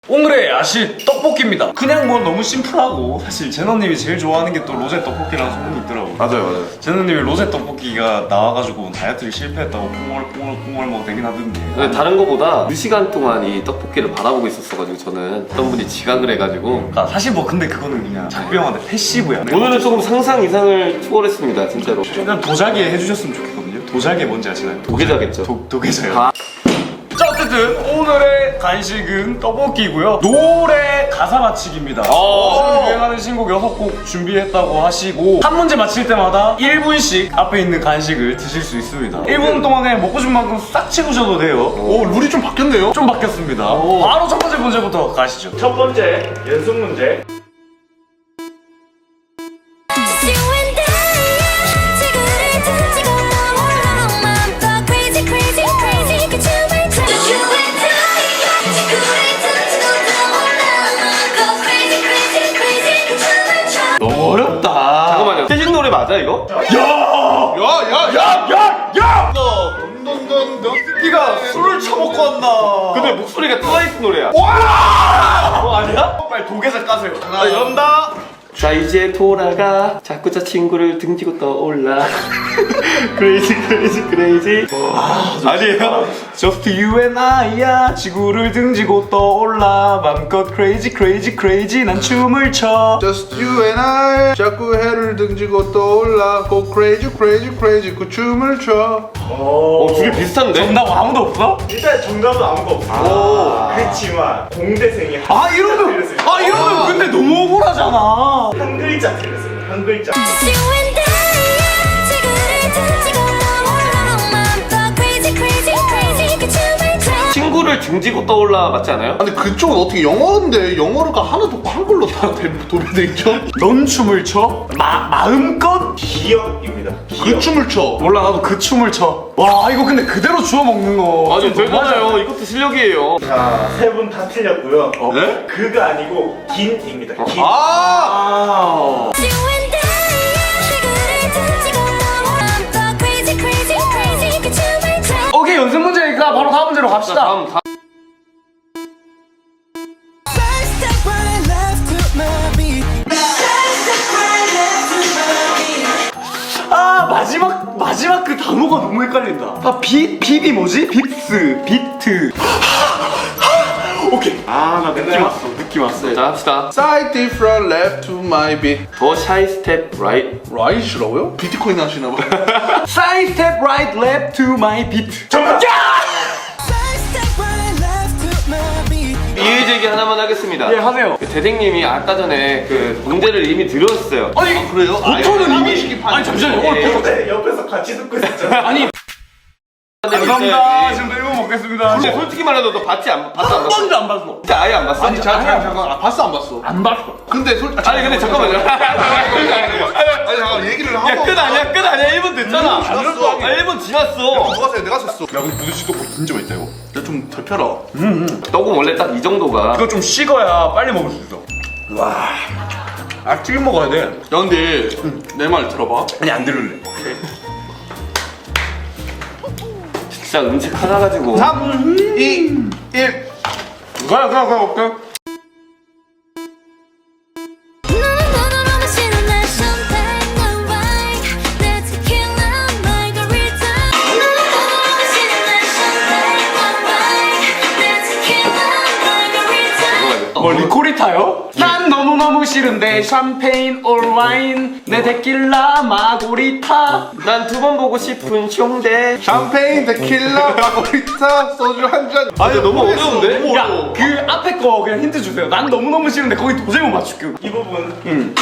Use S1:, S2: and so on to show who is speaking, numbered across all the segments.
S1: 오늘의 야식 떡볶이입니다. 그냥 뭐 너무 심플하고 사실 제너님이 제일 좋아하는 게 또 로제 떡볶이라는 소문이 있더라고요.
S2: 맞아요.
S1: 제너님이 로제 떡볶이가 나와가지고 다이어트를 실패했다고 꽁얼꽁얼 뭐 되긴 하던데.
S3: 근데 다른 거보다 2시간 동안 이 떡볶이를 바라보고 있었어가지고 저는 어떤 분이 지각을 해가지고
S1: 그러니까 사실 뭐 근데 그거는 그냥 작병한테 패시브야.
S3: 오늘은 조금 상상 이상을 초월했습니다 진짜로.
S1: 그냥 도자기 해주셨으면 좋겠거든요. 도자기 뭔지 아시나요?
S3: 도계자겠죠.
S1: 도계자요.
S3: 아.
S1: 자, 어쨌든 오늘의 간식은 떡볶이고요. 노래 가사 맞히기입니다. 요즘 유행하는 신곡 6곡 준비했다고 하시고 한 문제 맞힐 때마다 1분씩 앞에 있는 간식을 드실 수 있습니다. 1분 동안에 먹고 싶은 만큼 싹 치우셔도 돼요.
S2: 오, 룰이 좀 바뀌었네요.
S1: 좀 바뀌었습니다. 바로 첫 번째 문제부터 가시죠.
S4: 첫 번째 연습 문제.
S3: 너무 어렵다. 잠깐만요. 태진 노래 맞아 이거?
S2: 야! 넌
S1: 네가 술을 처먹고 왔나?
S3: 근데 목소리가 트와이스 노래야. 아니야?
S1: 빨리 도계자 까세요.
S3: 연다. 자 이제 돌아가. 자꾸 저 친구를 등지고 떠올라. 크레이지 크레이지 크레이지.
S1: 아니에요? Just you and I야. 지구를 등지고 떠올라. 맘껏 crazy crazy crazy 난 춤을 춰.
S2: Just you and I 자꾸 해를 등지고 떠올라 Go crazy crazy crazy 그 춤을 춰.
S3: 둘이 비슷한데?
S1: 정답 아무도 없어?
S4: 일단 정답은 아무도 없어. 그렇지만 공대생이
S1: 이러면 근데 너무 억울하잖아.
S4: 한 글자 틀렸어요. 한 글자.
S3: 친구를 등지고 떠올라 맞지 않아요?
S2: 근데 그쪽은 어떻게 영어인데 영어가 하나도 한글로 다 도배돼 있죠?
S1: 넌 춤을 춰? 마음껏?
S4: 기억입니다.
S2: 그 춤을 춰.
S1: 몰라 나도 그 춤을 춰. 와 이거 근데 그대로 주워 먹는 거.
S3: 아니 대단해요. 이것도 실력이에요.
S4: 자, 세 분 다 틀렸고요.
S2: 네?
S4: 그가 아니고 긴입니다. 긴.
S1: 아. 오케이 연습 문제니까 바로 다음 문제로 갑시다.
S3: 다음
S1: 마지막 그 단어가 너무 헷갈린다. 빕이 뭐지? 빕스, 비트. 오케이. 나 느낌 왔어.
S3: 자 합시다.
S2: Side different left to my beat.
S3: 더 샤이 스텝 라이트.
S2: 라이시라고요? 비트코인 하시나 봐.
S1: Side step right left to my beat. 정답.
S3: 이의 제기 하나만 하겠습니다.
S1: 예 하세요.
S3: 대생님이 아까 전에 그 문제를 이미 드렸어요.
S1: 아니
S2: 그래요?
S1: 보통은 이미. 아니 잠시만요. 오늘
S4: 근데 옆에서 같이 듣고 있었잖아.
S1: 아니. 감사합니다. 지금 1분 먹겠습니다.
S3: 근데 솔직히 말해도 너 봤지 안 봤어?
S1: 한 번도 안 봤어.
S3: 진짜 아예 안 봤어?
S2: 아니 잠깐 봤어 안 봤어?
S1: 안 봤어.
S2: 근데
S3: 아니 근데 잠깐만요.
S2: 아니 잠깐 얘기를 하고.
S3: 야 끝 아니야 끝 아니야 1분 됐잖아.
S2: 지났어.
S3: 1분 지났어.
S2: 누가 세? 내가 셌어.
S1: 야 근데 부대찌 떡볶이 진짜 맛있다 이거.
S2: 야좀 덜펴라.
S3: 떡은 원래 딱 이 정도가.
S1: 이거 좀 식어야 빨리 먹을 수 있어. 와. 튀김 먹어야 돼.
S2: 야 근데 내 말 들어봐.
S1: 아니 안 들을래.
S3: 진짜 음식 하나 가지고.
S2: 3, 2, 1.
S1: 가 올게. 뭐 리코리타요? 난 너무너무 싫은데 샴페인 올와인 내 데킬라 마고리타.
S3: 난 두 번 보고 싶은 숑대.
S2: 샴페인, 데킬라, 마고리타, 소주 한 잔.
S3: 아니 너무 어려운데?
S2: 너무
S1: 야
S2: 어려워.
S1: 그 앞에 거 그냥 힌트 주세요. 난 너무너무 싫은데 거기 도저히 못 맞출게.
S4: 이 부분.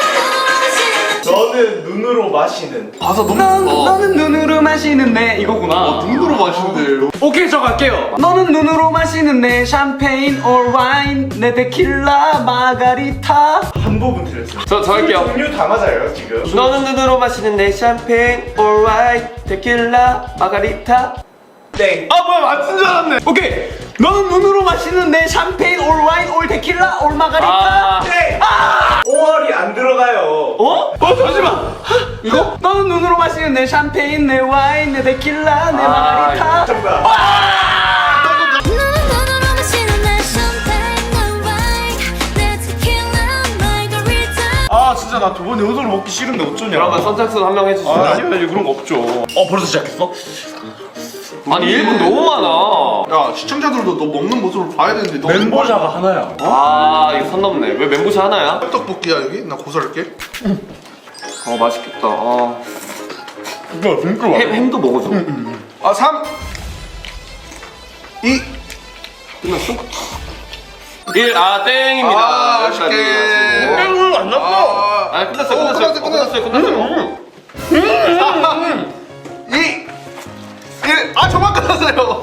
S4: 너는 눈으로 마시는.
S2: 가사 너무
S1: 너는 눈으로 마시는데 이거구나.
S2: 눈으로 마시는데.
S1: 오케이 저 갈게요. 너는 눈으로 마시는 내 샴페인 올와인 내 데킬라 마가리타.
S4: 한 부분 틀렸어요.
S3: 저 할게요.
S4: 종류 다 맞아요 지금.
S3: 너는 눈으로 마시는 내 샴페인 alright 데킬라 마가리타.
S4: 땡.
S1: 아 뭐야 맞춘 줄 알았네. 오케이. 너는 눈으로 마시는 내 샴페인 올와인 올 데킬라 올 마가리타.
S4: 땡. 5월이 안 들어가요.
S1: 어? 잠시만. 이거? 너는 눈으로 마시는 내 샴페인 내 와인 내 데킬라 내 마가리타.
S4: 정답.
S1: 아!
S5: 눈으로 마시는 내 샴페인
S1: 나 두 번 연속으로 먹기 싫은데 어쩌냐.
S3: 그러면 선착순 한 명 해주시죠.
S1: 아니요, 그런 거 없죠. 벌써 시작했어?
S3: 아니 1분 너무 많아.
S2: 야 시청자들도 너 먹는 모습을 봐야 되는데 너
S1: 멤버자가 하나야.
S3: 아 이거 선 넘네. 왜 멘보샤 하나야?
S2: 떡볶이야 여기? 나 고소할게.
S3: 맛있겠다.
S1: 이거 진짜 맛있어.
S3: 햄도 먹어줘.
S2: 3 2
S3: 끝났어? 1 땡입니다.
S2: 아쉽게.
S1: 안 났어.
S3: 아 끝났어요. 끝났어요.
S2: 2 1 저만 끝났어요.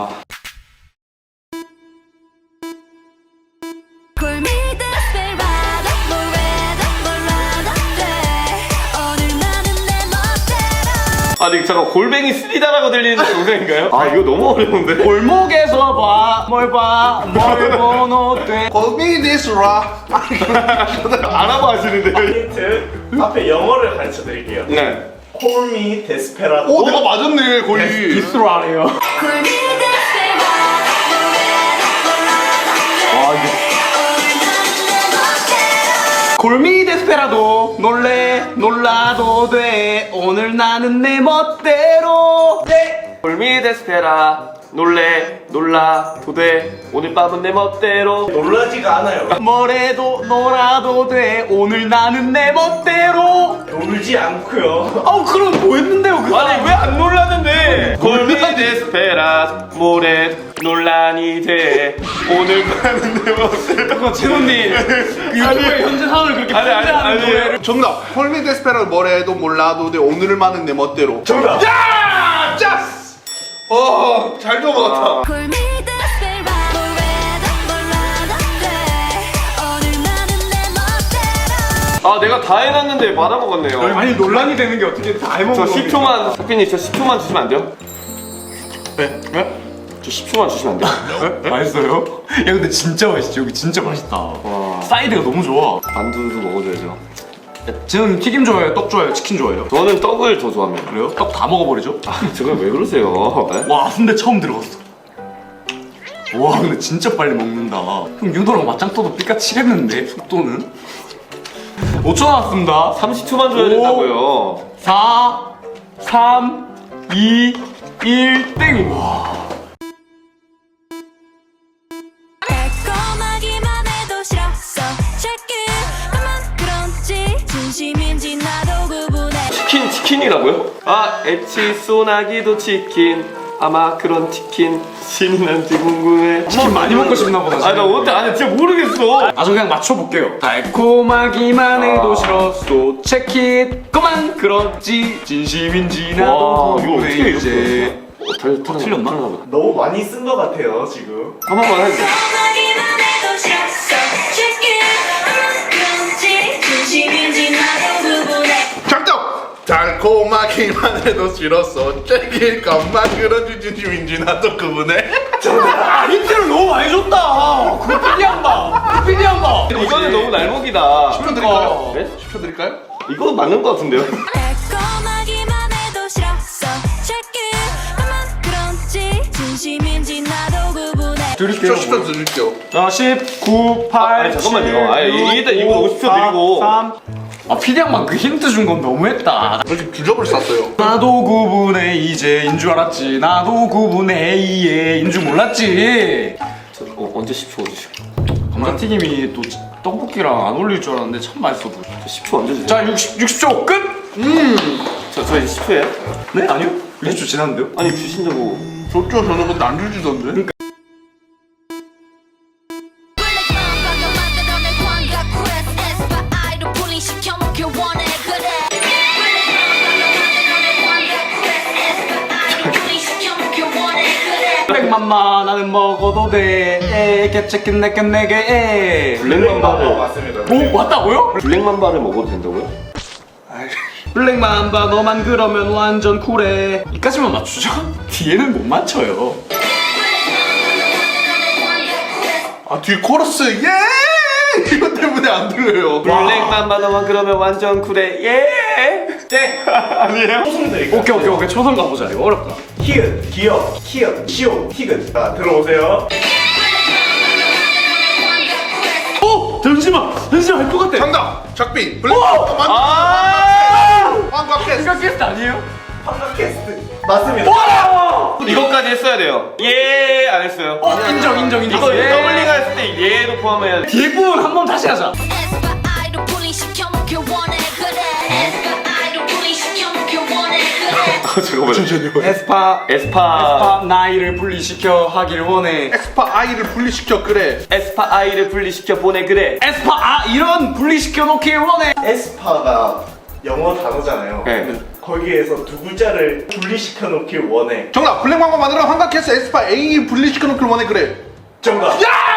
S5: Call me desperado, 뭐래도 몰라도 돼. 오늘 나는 내 멋대로.
S3: 아니 잠깐 골뱅이 쓰리다라고 들리는 동생인가요? 아 이거 너무 어려운데.
S1: 골목에서 봐, 뭘 번호 돼.
S2: Call me this rock.
S3: 알아봐 하시는데요?
S4: 힌트 앞에 영어를 가르쳐 드릴게요.
S3: 네.
S4: Call me desperado.
S2: 오 내가 맞았네 거의.
S1: 디스로 하네요.
S5: Call me desperado, 뭐래도 몰라도 돼. 오늘 나는 내 멋대로.
S1: 골미 데스페라도 놀라도 돼. 오늘 나는 내 멋대로. 네.
S3: 골미 데스페라 놀라도 돼. 오늘 밤은 내 멋대로.
S4: 놀라지가 않아요.
S1: 뭐래도 놀아도 돼. 오늘 나는 내 멋대로.
S4: 놀지 않고요.
S1: 그럼 뭐 했는데요? 그
S3: 아니 왜 안 놀랐는데? 골미 데스페라 모래 논란이 돼. 오늘 밤은 내 멋대로.
S1: 그거 재훈님 유튜브에 현재 상황을 그렇게
S3: 아니,
S1: 편지하는
S3: 아니.
S1: 노래를.
S2: 정답. Call me desperado 뭐래도 몰라도 돼. 오늘만은 내 멋대로.
S4: 정답.
S2: 야! 짜스! 잘 넘어갔다.
S5: Call me desperado, 뭐래도 몰라도 돼. 오늘 나는 내 멋대로.
S3: 내가 다 해놨는데 받아먹었네요.
S1: 아니 논란이 되는 게 어떻게 다 해먹은
S3: 저
S1: 겁니까?
S3: 10초만 석빈님 저 10초만 주시면 안 돼요?
S1: 네?
S3: 저 10초만 주시면 안 돼요?
S1: 네? 맛있어요? 야 근데 진짜 맛있지. 여기 진짜 맛있다. 사이드가 너무 좋아.
S3: 만두도 먹어줘야죠.
S1: 저는 튀김 좋아해요? 떡 좋아해요? 치킨 좋아해요?
S3: 저는 떡을 더 좋아합니다.
S1: 그래요? 떡 다 먹어버리죠?
S3: 저건 왜 그러세요? 네?
S1: 와 근데 처음 들어갔어. 와 근데 진짜 빨리 먹는다. 형 윤도랑 맞짱 떠도 삐까 치겠는데 속도는? 5초 남았습니다.
S3: 30초만 줘야 된다고요.
S1: 4 3 2 1 땡. 와.
S5: 달콤하기만 해도 싫었어. 자꾸만 그런지 진심인지 나도 구분해.
S3: 치킨이라고요? 엣지 소나기도 치킨. 아마 그런 치킨 신이 난지 궁금해.
S1: 치킨 많이 먹고 싶나 보다.
S3: 아니 나 어때? 아니 진짜 모르겠어.
S1: 저 그냥 맞춰볼게요. 달콤하기만 해도 싫었어. 체킷 그만 그렇지 진심인지
S3: 와
S1: 나도
S3: 이거 어떻게
S1: 이제
S3: 틀렸나?
S4: 너무 많이 쓴 것 같아요 지금.
S3: 한 번만 해줘.
S5: 달콤하기만 해도 싫었어. 자꾸만 그런지 진심인지 나도 구분해.
S2: 정답. 달콤하기만 해도 싫었어. 째길 것만 그런지 진심인지 나도 그분해.
S1: 힌트를 너무 많이 줬다. 그거 필리한 봐. 필리한 봐.
S3: 이거는 너무 날먹이다.
S2: 10초 드릴까요?
S3: 네?
S2: 10초 드릴까요?
S3: 이거 맞는 것 같은데요?
S5: 달콤하기만 해도 싫었어. 자꾸만 그런지 진심인지 나도 구분해.
S1: 드릴게요.
S2: 10초 드릴게요.
S1: 자, 19, 8,
S3: 아니, 잠깐만요. 아니, 일단 이거 50초 드리고.
S1: 3. 피디양만 그 힌트 준 건 너무했다.
S2: 저 지금 주접을 쌌어요.
S1: 나도 구분해 이제인 줄 알았지. 나도 구분해 이해인 줄 몰랐지.
S3: 언제 10초 주시고?
S1: 감자튀김이 또 떡볶이랑 안 어울릴 줄 알았는데 참 맛있어 보여.
S3: 저 10초 언제 주세요?
S1: 자, 60초 끝.
S3: 저 이제 10초예요?
S1: 네? 아니요? 60초 지났는데요?
S3: 아니 주신다고.
S2: 좋죠. 저는 근데 안 주시던데.
S1: 블랙맘마 나는 먹어도 돼. 개체킨 내게 내게.
S3: 블랙맘바를
S4: 맞습니다.
S1: 오 맞다고요?
S3: 블랙맘바를 먹어도 된다고요?
S1: 블랙맘바 너만 그러면 완전 쿨해. 이까지만 맞추죠? 뒤에는 못 맞춰요.
S2: 뒤에 코러스 예! 이것 때문에 안 들려요.
S3: 블랙맘바 너만 그러면 완전 쿨해. 예. 아니에요?
S4: 초성 드릴게요.
S1: 오케이 초성 가보자. 이거 어렵다.
S4: 히읗, 기역, 히읗, 시오, 티귿. 자, 들어오세요.
S1: 잠시만 알 것 같아.
S2: 정답. 정답 작비 블랙 황과 캐스
S1: 생각 게스트 아니에요?
S4: 맞습니다.
S3: 이것까지 했어야 돼요. 예, 안 했어요.
S1: 인정.
S3: 이거 더블링 했을 때 예도 포함해야 돼.
S1: 대부분 한번 다시 하자.
S5: 에스파 아이돌 분리시켜놓길 원해 그래 에스파 아이돌 분리시켜놓길 원해 그래
S3: 잠깐만요.
S1: 에스파
S3: 에스파
S1: 나이를 분리시켜 하길 원해.
S2: 엑스파 아이를 분리시켜 그래
S3: 에스파 아이를 분리시켜 보내 그래.
S1: 에스파 이런 분리시켜 놓길 원해.
S4: 에스파가 영어 단어잖아요.
S3: 네.
S4: 거기에서 두 글자를 분리시켜 놓길 원해.
S2: 정답 블랙 황과 만들어 황과 캐스 에스파 A 분리시켜 놓길 원해 그래
S4: 정답.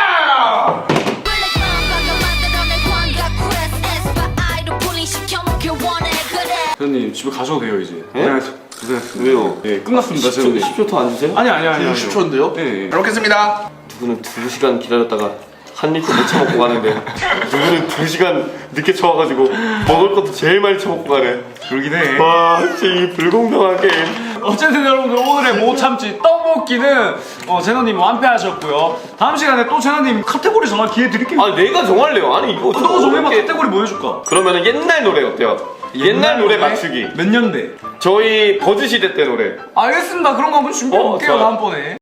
S5: 블랙 맘바가 만들어낸 광각 퀘스트 에스파 아이돌 분리시켜놓길 원해 그래
S1: 선생님 집에 가셔도 돼요 이제.
S3: 예?
S1: 고생했습니다.
S3: 왜요?
S1: 예, 끝났습니다. 선생님.
S3: 10초 더 안 주세요?
S1: 아니.
S2: 10초인데요?
S1: 예, 예.
S2: 잘 먹겠습니다
S3: 누구는 2시간 기다렸다가 한 입도 못 처먹고 가는데 누구는 2시간 늦게 쳐와가지고 먹을 것도 제일 많이 처먹고 가네.
S1: 그러긴 해.
S3: 와 진짜 이 불공평한 게임.
S1: 어쨌든 여러분들 오늘의 못 참지 떡볶이는 제노님 완패하셨고요. 다음 시간에 또 제노님 카테고리 정할 기회 드릴게요.
S3: 아 내가 정할래요. 아니 이거
S1: 너가 정해봐.
S3: 어렵게-
S1: 카테고리 뭐 해줄까?
S3: 그러면은 옛날 노래 어때요? 옛날 노래 맞추기.
S1: 몇 년대?
S3: 저희 버즈 시대 때 노래.
S1: 알겠습니다. 그런 거 한번 준비해볼게요.
S3: 좋아요.
S1: 다음번에.